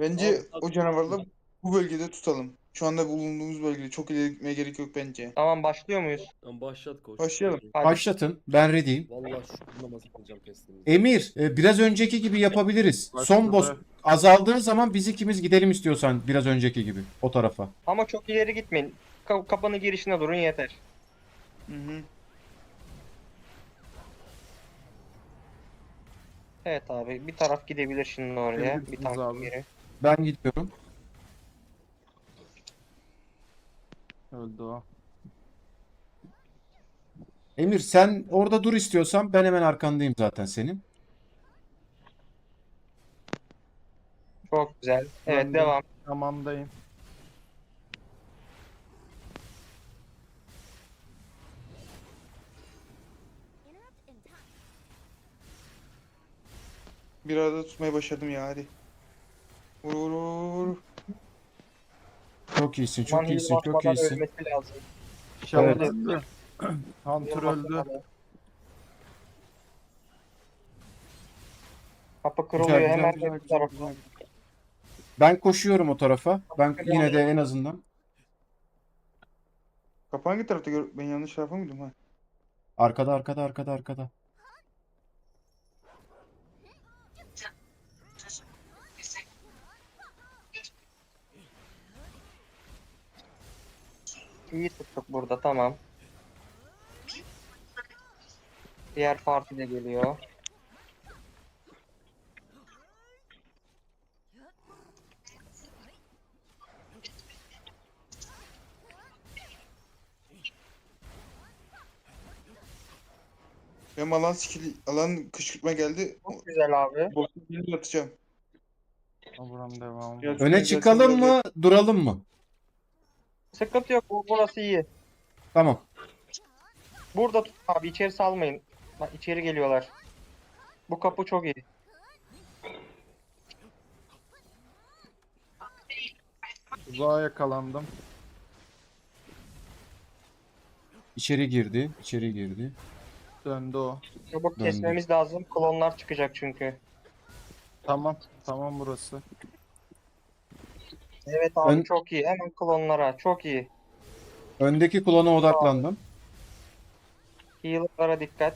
Bence Abi, o canavarları bu bölgede tutalım. Şu anda bulunduğumuz bölgede çok ileri gitmeye gerek yok bence. Tamam başlıyor muyuz? Tamam, başlat koç. Başlayalım. Hadi. Başlatın. Ben ready'yim. Vallahi şu namazı kılacağım testimizi. Emir, biraz önceki gibi yapabiliriz. Son boss Başladı. azaldığı zaman biz ikimiz gidelim istiyorsan biraz önceki gibi o tarafa. Ama çok ileri gitmeyin. Kapının girişine durun yeter. Hı hı. Evet abi bir taraf gidebilir şimdi oraya. Bir Gidebilirsiniz tank abi. geri. Ben gidiyorum. Öldü o. Emir sen orada dur istiyorsan ben hemen arkandayım zaten senin. Çok güzel. Evet Ben de devam. Tamamdayım. Bir arada tutmayı başardım ya hadi. Vur vur vur. Çok iyisin, Aman çok heal iyisin, çok basmadan iyisin. ölmesi lazım. Şaman Evet. öldü. Hunter Heal öldü. basmadan. Kapı kırılıyor Güzel, hemen güzel, bir güzel, tarafa. güzel. Ben koşuyorum o tarafa. Ben yine de en azından Kapı hangi tarafta gör? Ben yanlış tarafa mıydım ha? arkada arkada arkada arkada. İyi tuttuk burada tamam. Diğer parti de geliyor. Benim alan kışkırtma geldi. Çok güzel abi. Boss'un birini atacağım. Buram devam. Biraz- Öne çıkalım mı, duralım mı? Sıkıntı yok. Burası iyi. Tamam. Burada tut abi. İçeri salmayın. Bak içeri geliyorlar. Bu kapı çok iyi. Uzağa yakalandım. İçeri girdi, içeri girdi. Döndü o. Çabuk Döndü. kesmemiz lazım. Klonlar çıkacak çünkü. Tamam. Tamam burası. Evet abi Ön- çok iyi. Hemen klonlara. Çok iyi. Öndeki klona odaklandım. Healer'lara dikkat.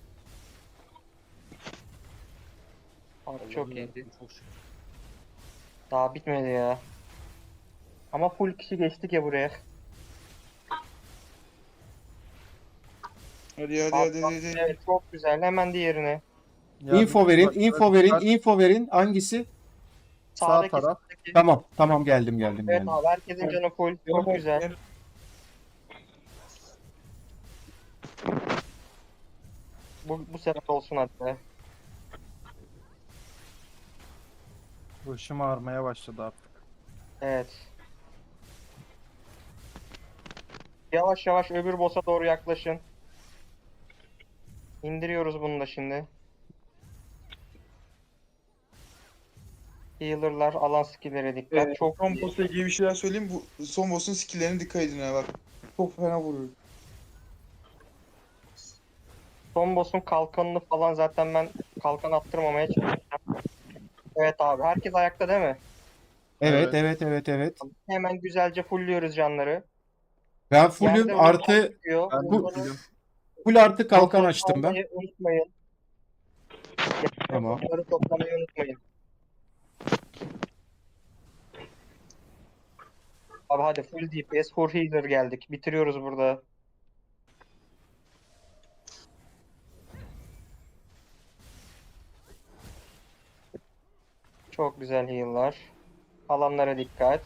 Abi çok Allah'ım iyiydi. yarabbim, çok şükür. Daha bitmedi ya. Ama full kişi geçtik ya buraya. Hadi hadi Abi, hadi hadi. evet çok güzel. Hemen diğerine. Info verin, Bak, info verin, bak, info verin. Hangisi? Sağ Sağdaki taraf. sağdaki. Tamam, tamam geldim geldim Evet geldim. abi herkesin canı full. Çok güzel. Bu sefer olsun hadi. Başım ağrımaya başladı artık. Evet. Yavaş yavaş öbür boss'a doğru yaklaşın. İndiriyoruz bunu da şimdi. Healer'lar alan skill'lere dikkat. Çok Son iyi. boss'la ilgili bir şeyler söyleyeyim. Bu son boss'un skill'lerine dikkat edin ha bak. Çok fena vuruyor. Son boss'un kalkanını falan zaten ben kalkan attırmamaya çalışacağım. Evet abi herkes ayakta değil mi? Evet, Evet. evet, evet, evet. Hemen güzelce fullüyoruz canları. Ben fullüm Yerde artı unutmayın diyor. Ben de Bu- Onları full artı kalkan kontrol açtım ben. almayı unutmayın. Tamam. Onları toplamayı unutmayın. Abi hadi full DPS, full healer geldik. Bitiriyoruz burada. Çok güzel heal'lar. Alanlara dikkat.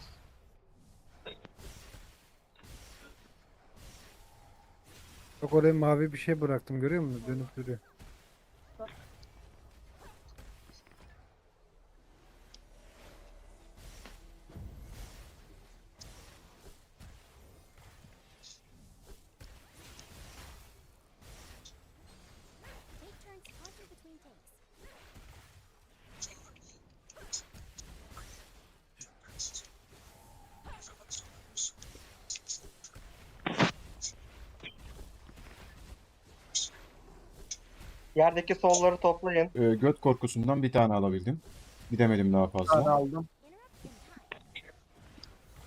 Bak oraya mavi bir şey bıraktım görüyor musun? Dönüp duruyor. Take turns talking between takes. Yerdeki solları toplayın. Göt korkusundan bir tane alabildim. Gidemedim daha Bir tane fazla. aldım.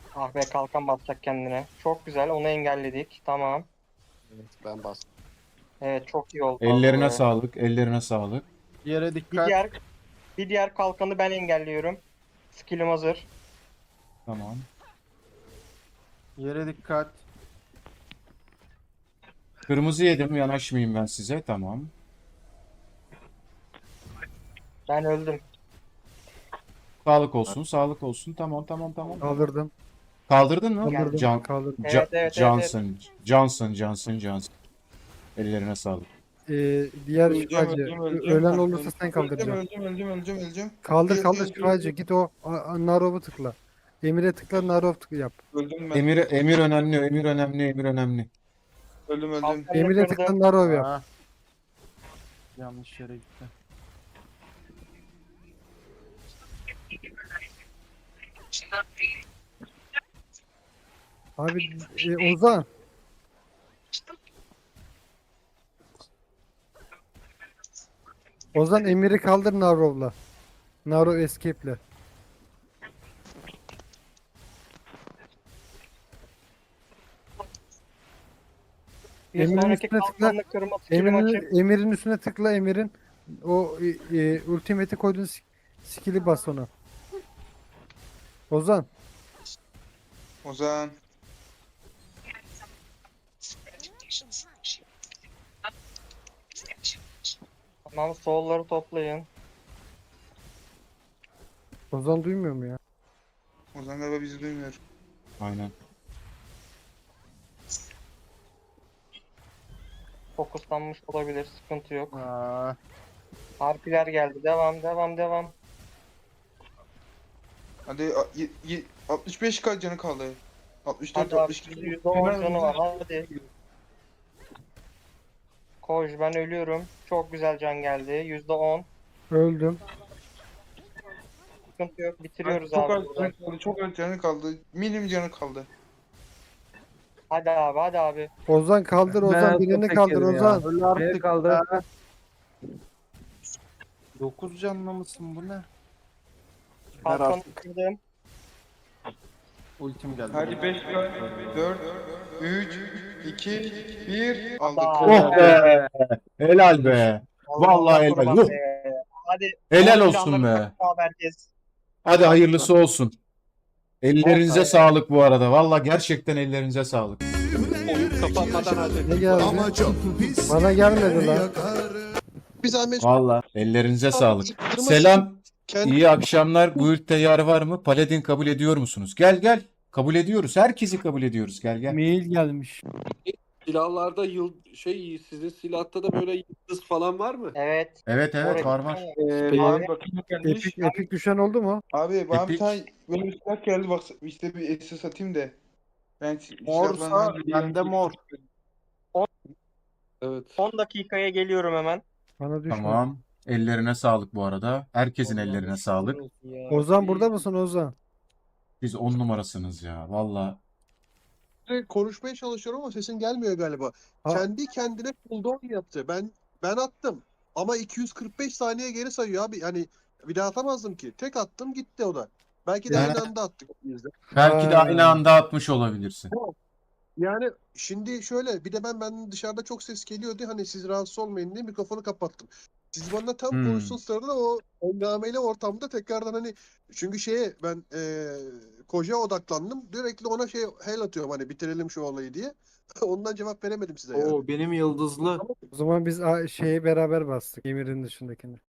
Ah be, kalkan basacak kendine. Çok güzel, onu engelledik. Tamam. Evet, ben bastım. Evet, çok iyi oldu. Ellerine abi. sağlık. Ellerine sağlık. Yere Bir dikkat. diğer kalkanı ben engelliyorum. Skill'im hazır. Tamam. Yere dikkat. Kırmızı yedim. Yanaşmayayım ben size. Tamam. Ben öldüm. Sağlık olsun. Sağlık olsun. Tamam tamam tamam. Kaldırdım. Kaldırdın mı? Kaldırdım. Kaldırdım. Evet. Johnson. Ellerine sağlık. Diğer Öleceğim, şifacı. öleceğim, öleceğim. Ölen Bak, olursa sen kaldıracaksın. Öleceğim. Kaldır şifacı. Git o Narov'u tıkla. Emir'e tıkla, Narov tıkla yap. Öldüm ben. Emir önemli. Öldüm. Kalkanı Emir'e kırdım. tıkla, Narov yap. Ha. Yanlış yere gitti. Abi Ozan. Ozan Emir'i kaldır Narov'la. Narov escape'le. Bir Emir'in sonraki üstüne tıkla. kalkanını kırma skill'im açık. Emir'in üstüne tıkla, Emir'in o ultimate'i koyduğun skill'i bas ona. Ozan. Ozan. Tamam, soul'ları toplayın. Ozan duymuyor mu ya? Ozan galiba bizi duymuyor. Aynen. Fokuslanmış olabilir, sıkıntı yok. Aa, Harpiler geldi. Devam. Hadi 65k canı kaldı. 64 Hadi abi, 62. %10 canı var. Hadi. Koş, ben ölüyorum. Çok güzel can geldi. %10. Öldüm. Sıkıntı yok. Bitiriyoruz Çok abi. az buradan. canı kaldı. Çok az canı kaldı. Minim canı kaldı. Hadi abi. Ozan kaldır, Ozan birini kaldır Ozan. öl artık kaldı. 9 canlı mısın bu ne? Kalkanı kırdım. Ultim geldi. Hadi 5k 4 3 2 1 aldık. Oh be. Helal be. Vallahi helal. kurban Huh. be. Hadi. Helal Abi, olsun planları be. takip herkes. Hadi hayırlısı olsun. Ellerinize Olsun. sağlık bu arada. Vallahi gerçekten ellerinize sağlık. Oyun kapanmadan hadi. Ne geldi? Bana gelmedi lan. Bir zahmet Vallahi ellerinize sağlık. zıttırma Selam. kendi İyi akşamlar. Guild'de yer var mı? Paladin kabul ediyor musunuz? Gel. Kabul ediyoruz. Herkesi kabul ediyoruz. Gel. Mail gelmiş. Silahlarda sizin silahta da böyle yıldız falan var mı? Evet. Evet Oraya- var. Abi bakayım gelmiş. Epik düşen oldu mu? Abi bana bir Epic. tane böyle bir silah geldi bak işte bir SS atayım da. Ben Morsa silahlarından bende mor. Evet. 10 dakikaya geliyorum hemen. Bana düşmedi. Tamam. Ellerine sağlık bu arada. Herkesin ellerine sağlık. Ozan burada mısın Ozan? Siz 10 numarasınız ya. Vallahi. konuşmaya çalışıyorum ama sesin gelmiyor galiba. Ha. Kendi kendine cooldown yaptı. Ben attım. Ama 245 saniye geri sayıyor abi. Yani bir daha atamazdım ki. Tek attım gitti o da. Belki de Yani- aynı anda attık biz de. Belki de Ha. aynı anda atmış olabilirsin. Yani şimdi şöyle bir de ben dışarıda çok ses geliyordu. Hani siz rahatsız olmayın diye mikrofonu kapattım. Siz bana tam konuştuğun sırada o engameli ortamda tekrardan hani çünkü ben Koca odaklandım. Sürekli ona hell atıyorum hani bitirelim şu olayı diye. Ondan cevap veremedim size yani. Oo benim yıldızlı. O zaman biz şeye beraber bastık. Emir'in dışındakini.